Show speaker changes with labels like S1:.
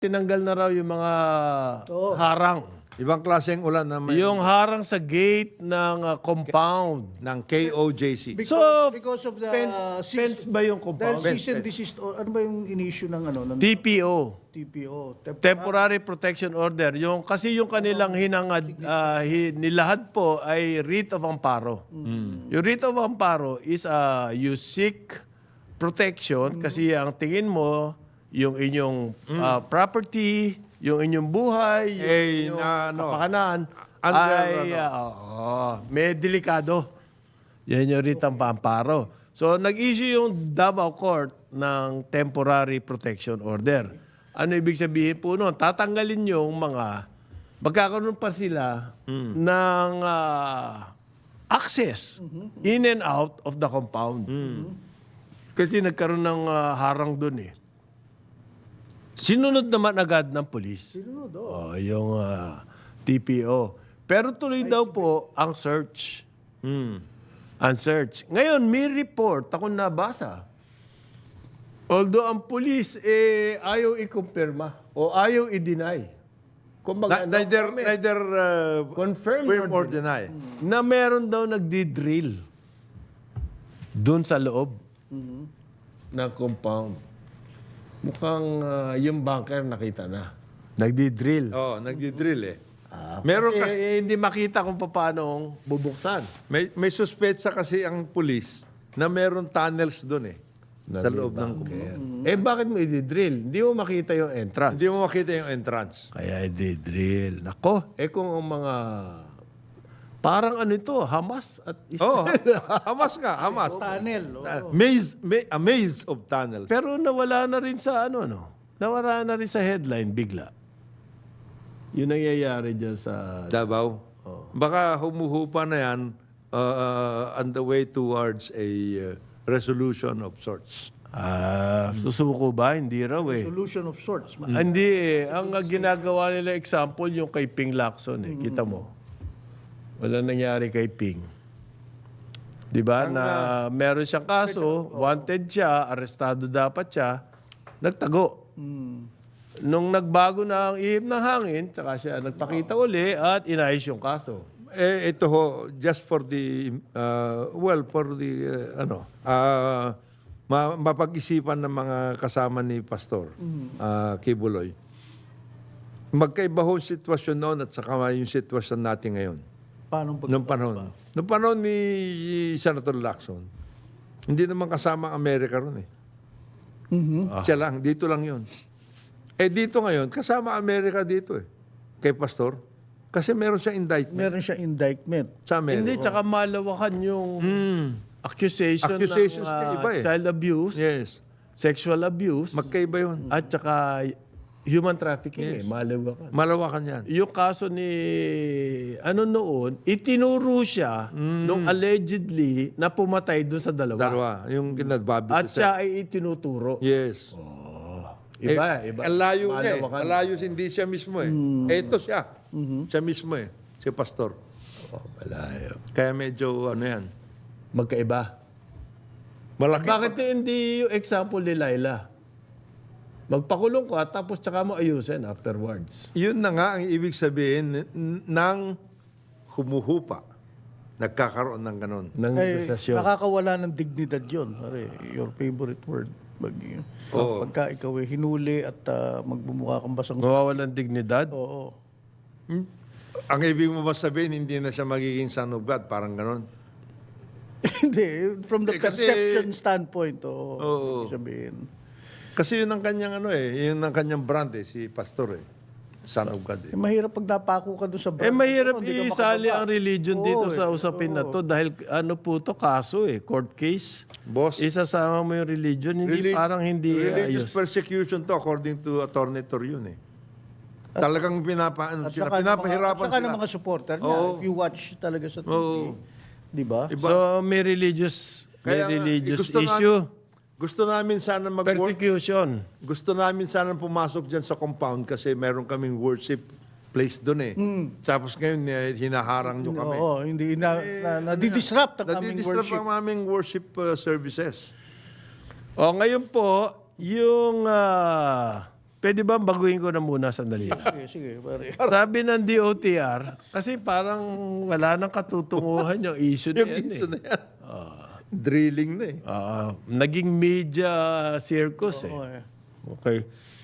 S1: tinanggal na raw yung mga harang.
S2: Ibang klaseng ulan na may
S1: Yung harang sa gate ng compound.
S2: ng KOJC.
S3: Because of the
S1: Fence ba yung compound?
S3: dahil cease and desist or ano ba yung in-issue ng
S1: TPO.
S3: TPO?
S1: Temporary Protection Order. Kasi yung kanilang hinangad, nilahad po ay writ of amparo. Yung writ of amparo is you seek protection kasi ang tingin mo, yung inyong property, yung inyong buhay, yung inyong kapakanan, ay may delikado. Yan yung writ ng amparo. So, nag-issue yung Davao Court ng Temporary Protection Order. Ano ibig sabihin po noon? Tatanggalin yung magkakaroon pa sila ng access in and out of the compound. Kasi nagkaroon ng harang dun eh. Sinunod naman agad ng pulis.
S3: Sinunod,
S1: Yung TPO. Pero tuloy daw po ang search. Ang search. Ngayon, may report ako nabasa. Although ang pulis ayaw i-confirma o ayaw i-deny. Kumbaga,
S2: Neither
S1: confirm
S2: or deny.
S1: na meron daw nagdi-drill doon sa loob ng compound. Mukhang yung bunker nakita na. Nagdi-drill.
S2: Nagdi-drill eh. Meron
S1: Kasi hindi makita kung paano bubuksan.
S2: may suspetsa kasi ang pulis na meron tunnels doon eh. Sa loob ng compound.
S1: Bakit mo i-drill? Hindi mo makita yung entrance.
S2: Hindi mo makita yung entrance.
S1: Kaya i-drill. Nako, kung ang mga... Parang ano ito, Hamas at Israel.
S2: Hamas nga, Hamas.
S3: Tunnel.
S2: A maze of tunnels.
S1: Pero nawala na rin sa nawala na rin sa headline bigla. Yun nangyayari dyan sa...
S2: Davao. Baka humuhupa na yan on the way towards a resolution of sorts.
S1: Susuko ba? Hindi raw eh.
S3: Solution of sorts.
S1: Hindi eh. Ang ginagawa nila example yung kay Ping Lacson eh. Kita mo. Wala nangyari kay Ping. Di ba? Na meron siyang kaso, wanted siya, arestado dapat siya, nagtago. Nung nagbago na ang ihip ng hangin, tsaka siya nagpakita uli at inayos yung kaso.
S2: Ito ho, just for the, mapag-isipan ng mga kasama ni Pastor Kibuloy. Magkaiba ho sitwasyon noon at saka yung sitwasyon natin ngayon.
S3: Paano
S2: Nung panahon ni Senator Lacson, hindi naman kasama ang Amerika ron eh. Siya lang, dito lang yun. Dito ngayon, kasama Amerika dito eh. Kay Pastor. Kasi meron siyang indictment.
S3: Meron siya indictment.
S2: Sa Amerika.
S1: Hindi, tsaka malawakan yung accusation
S2: Accusations
S1: ng
S2: niya iba eh.
S1: child abuse,
S2: Yes.
S1: sexual abuse,
S2: Magkaiba yun.
S1: at tsaka human trafficking malawakan.
S2: Malawakan yan.
S1: Yung kaso ni, noon, itinuro siya nung allegedly na pumatay doon sa dalawa.
S2: Yung kinadbabi
S1: At siya ay itinuturo.
S2: Yes.
S1: Iba.
S2: Ang layo niya eh.
S1: Malawakan.
S2: Ang layo hindi siya mismo eh. Ito siya. Siya mismo eh. Si Pastor.
S1: Malayo.
S2: Kaya medyo yan.
S1: Magkaiba.
S2: Malaki.
S1: Bakit hindi yung example ni Laila? Magpakulong ka, tapos tsaka mo ayusin afterwards.
S2: Yun na nga ang ibig sabihin ng humuhupa. Nagkakaroon ng ganon.
S1: Ng negosasyon.
S3: Nakakawala ng dignidad yun. Your favorite word. Pagka ikaw ay hinuli at magbumukha kang basang...
S1: Mawawalan dignidad?
S3: Oo.
S2: Ang ibig mo ba sabihin, hindi na siya magiging son of God? Parang ganon.
S3: Hindi. From the
S2: Kasi-
S3: perception standpoint, oo. Ibig sabihin.
S2: Kasi yun ang kanyang yun ang kanyang brand eh, si Pastor eh. Son of God eh.
S3: Mahirap pag napako ka doon sa brand.
S1: Mahirap
S3: hindi ka
S1: isali
S3: makababa.
S1: ang religion dito
S3: Oo,
S1: sa usapin na to dahil po to kaso court case.
S2: Boss,
S1: Isasama mo yung religion, parang hindi
S2: religious
S1: ayos.
S2: persecution to according to Attorney Torion eh. Talagang pinapahirapan
S3: Saka
S2: sila.
S3: ng mga supporter niya.
S2: Oo.
S3: If you watch talaga sa TV.
S2: Oo.
S3: Di ba?
S1: So may religious
S2: Kaya nga, gusto
S1: issue.
S2: Gusto namin sana mag-work.
S1: Persecution.
S2: Gusto namin sana pumasok dyan sa compound kasi meron kaming worship place doon eh. Tapos ngayon, hinaharang nyo kami.
S3: Oo, hindi nadi-disrupt ang aming
S2: Nadi-disturb
S3: worship.
S2: ang aming worship services.
S1: Ngayon po, yung Pwede ba baguhin ko na muna sandali?
S3: Sige, pare.
S1: Sabi ng DOTR, kasi parang wala nang katutunguhan yung issue na
S2: Yung
S1: yan.
S2: issue na yan. Drilling na eh.
S1: Naging media circus eh.
S3: Oo, eh.
S1: Okay.